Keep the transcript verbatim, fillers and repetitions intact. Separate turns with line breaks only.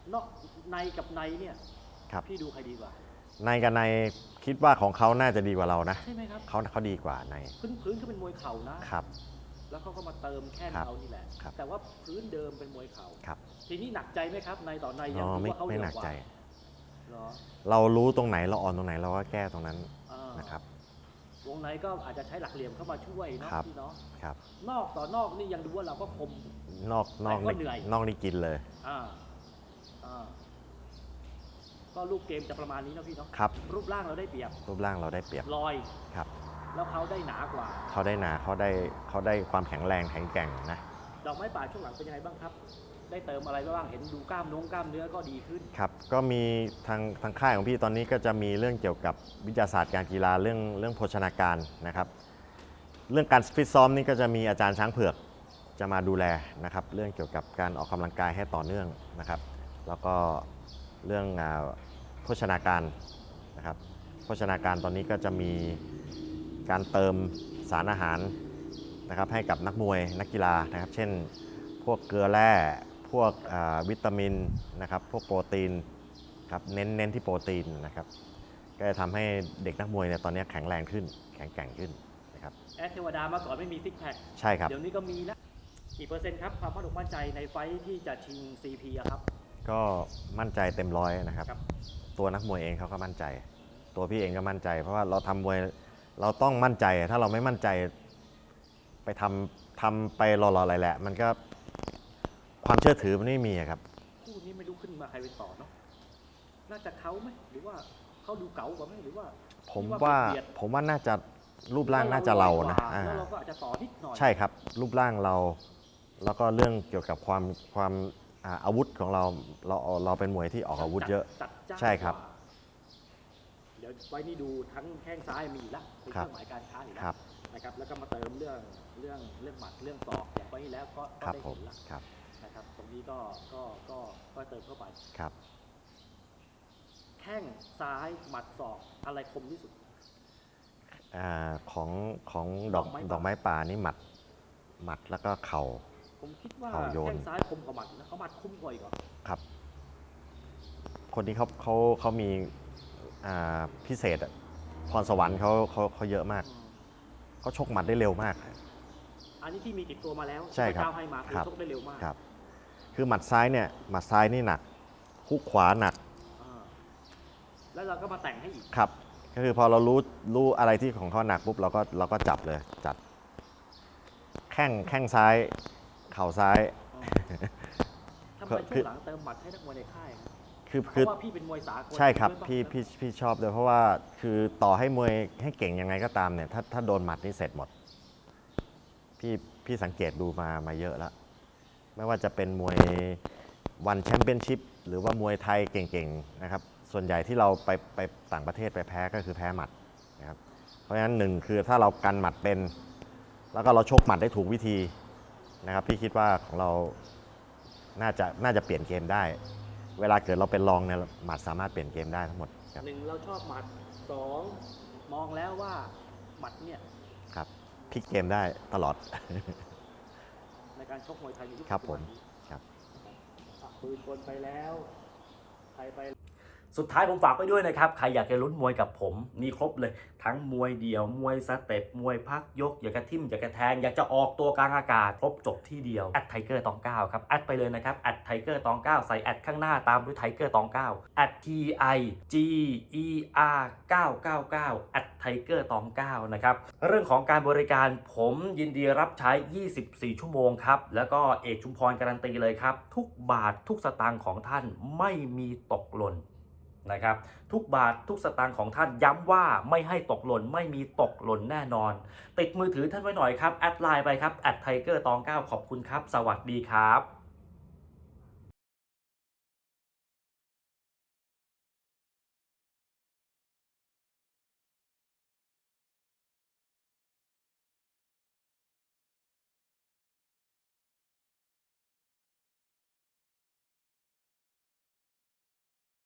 นอกในกับในเนี่ย
ครับ
พี่ดูใครดีกว่า
ในกับในคิดว่าของเขาน่าจะดีกว่าเรานะ
ใช่ไหมครับ
เขาเขาดีกว่าใน
พื้นพื้นเขาเป็นมวยเข่านะครับแล้วเขาก็มาเติมแข้งเขานี่แหละแต่ว่าพื้นเดิมเป็นมวยเข่า
ครับ
ทีนี้หนักใจไหมครับในต่อในยั
อ๋
ง
อไม่
รู้ว่าเขา
ไม่
เร็ว
หนัก
กว่า
ใจ
เหรอ
เรารู้ตรงไหนเราอ่อนตรงไหนเราก็แก้ตรงนั้น
อ่า
นะครับ
วงในก็อาจจะใช้หลักเหลี่ยมเข้ามาช่วยเนาะ
ครับ
พี่เนาะ
ครับ
นอกต่อนอกนี่ยังดูว่าเราก็คม
นอกนอก
แต่ก็เหนื่อย
นอกนี่กินเลย
อ่าอ่าก็รูปเกมจะประมาณนี้เนาะพี่เนาะ
ครับ
รูปร่างเราได้เปรียบ
รูปร่างเราได้เปรียบ
ลอย
ครับ
แล้วเขาได้หนากว่า
เขาได้หนาเขาได้เขาได้ความแข็งแรงแข็งแกร่งนะ
ดอกไม้ป่าช่วงหลังเป็นยังไงบ้างครับได้เติมอะไรบ้างเห็นดูกล้ามน้องกล้ามเนื้อก็ดีขึ้น
ครับก็มีทางทางค่ายของพี่ตอนนี้ก็จะมีเรื่องเกี่ยวกับวิทยาศาสตร์การกีฬาเรื่องเรื่องโภชนาการนะครับเรื่องการฟิตซ้อมนี่ก็จะมีอาจารย์ช้างเผือกจะมาดูแลนะครับเรื่องเกี่ยวกับการออกกำลังกายให้ต่อเนื่องนะครับแล้วก็เรื่องโภชนาการนะครับโภชนาการตอนนี้ก็จะมีการเติมสารอาหารนะครับให้กับนักมวยนักกีฬานะครับเช่นพวกเกลือแร่พวกวิตามินนะครับพวกโปรตีนครับเน้นเน้นที่โปรตีนนะครับก็จะทำให้เด็กนักมวยเนี่ยตอนนี้แข็งแรงขึ้นแข็งแกร่งขึ้นนะครับ
แอดเทวดามาก่อนไม่มีซิกแพค
ใช่ครับ
เดี๋ยวนี้ก็มีนะกี่เปอร์เซ็นต์ครับความมั่นอกมั่นใจในไฟที่จะชิง ซี พี อะครับ
ก็มั่นใจเต็มร้อยนะครับ
ครับ
ตัวนักมวยเองเขาก็มั่นใจตัวพี่เองก็มั่นใจเพราะว่าเราทำมวยเราต้องมั่นใจถ้าเราไม่มั่นใจไปทำทำไปรอๆอะไรแหละมันก็ความเชื่อถือมันไม่มีครับ
คู่นี้ไม่รู้ขึ้นมาใครเป็นต่อเนาะน่าจะเขาไหมหรือว่าเขาดูเก๋ากว่าไหมหรือว่า
ผมว่าผมว่าน่าจะรูปร่างน่าจะเรานะ
แล้วเราก็อาจจะต่อนิดหน่อย
ใช่ครับรูปร่างเราแล้วก็เรื่องเกี่ยวกับความความอาวุธของเราเราเราเป็นมวยที่ออกอาวุธเยอะใช่ครับ
เดี๋ยวไว้นี่ดูทั้งแข้งซ้ายมีละเป็นเครื่องหมายการค้าอีกแล้วนะครับแล้วก็มาเติมเรื่องเรื่องเรื่องหมัดเรื่องศอกอย่างไว้แล้วก็ได้เห็นละนะครับตรงนี้ก็ก็ก็ก็เติมเข้าไป
ครับ
แข้งซ้ายหมัดศอกอะไรคมที่สุด
อ่าของของดอกดอกไม้ป่านี่หมัดหมัดแล้วก็เข่า
ผมคิดว่า
แข้
งซ้ายคมกว่าหมัดนะเขาหมัดคมกว่าอีกเหรอ
ครับคนที่เขาเขาเขามีอ่าพิเศษพรสวรรค์เขาเขาเขาเยอะมากเขาชกหมัดได้เร็วมาก
อันนี้ที่มีติดตัวมาแล้ว
ใช่ครับ
เจ้าให้มาคือชกได้เร็วมาก
ครับคือหมัดซ้ายเนี่ยหมัดซ้ายนี่หนักฮุกขวาหนัก
แล้วเราก็มาแต่งให้อีก
ครับก็คือพอเรารู้รู้อะไรที่ของเขาหนักปุ๊บเราก็เราก็จับเลยจัดแข้งแข้งซ้ายเข่าซ้าย
ทำไมช่วงหลังเติมหมัดให้นักมวยในค่าย
คือ
เพราะว่าพี่เป็นมวยสากล
ใช่ครับพี่พี่พี่ชอบเลยเพราะว่าคือต่อให้มวยให้เก่งยังไงก็ตามเนี่ยถ้าถ้าโดนหมัดนี่เสร็จหมดพี่พี่สังเกตดูมามาเยอะแล้วไม่ว่าจะเป็นมวยวันแชมเปี้ยนชิพหรือว่ามวยไทยเก่งๆนะครับส่วนใหญ่ที่เราไปไปต่างประเทศไปแพ้ก็คือแพ้หมัดนะครับเพราะฉะนั้นหนึ่งคือถ้าเรากันหมัดเป็นแล้วก็เราชกหมัดได้ถูกวิธีนะครับพี่คิดว่าของเราน่าจะน่าจะเปลี่ยนเกมได้เวลาเกิดเราเป็นรองเนี่ยหมัดสามารถเปลี่ยนเกมได้ทั้งหมด
หนึ่งเราชอบหมัดสองมองแล้วว่าหมัดเนี่ย
ครับพลิกเกมได้ตลอด
ในการชกมวยไทยในยุค
ครับผมครับ
ปืนกลไปแล้วไทยไปสุดท้ายผมฝากไว้ด้วยนะครับใครอยากจะลุ้นมวยกับผมมีครบเลยทั้งมวยเดี่ยวมวยสเต็ปมวยพักยกอยากจะทิ่มอยากจะแทงอยากจะออกตัวกลางอากาศครบจบที่เดียวแอดไทเกอร์ตองเก้าครับแอดไปเลยนะครับแอดไทเกอร์ตองเก้าใส่แอดข้างหน้าตามด้วยไทเกอร์ตองเก้าแอด T I G E R เก้าเก้าเก้าแอดไทเกอร์ตองเก้านะครับเรื่องของการบริการผมยินดีรับใช้ยี่สิบสี่ชั่วโมงครับแล้วก็เอกชุมพรการันตีเลยครับทุกบาททุกสตางค์ของท่านไม่มีตกหล่นนะครับทุกบาททุกสตางค์ของท่านย้ำว่าไม่ให้ตกหล่นไม่มีตกหล่นแน่นอนติดมือถือท่านไว้หน่อยครับแอดไลน์ไปครับแอดไทเกอร์ตองเก้าขอบคุณครับสวัสดีครับ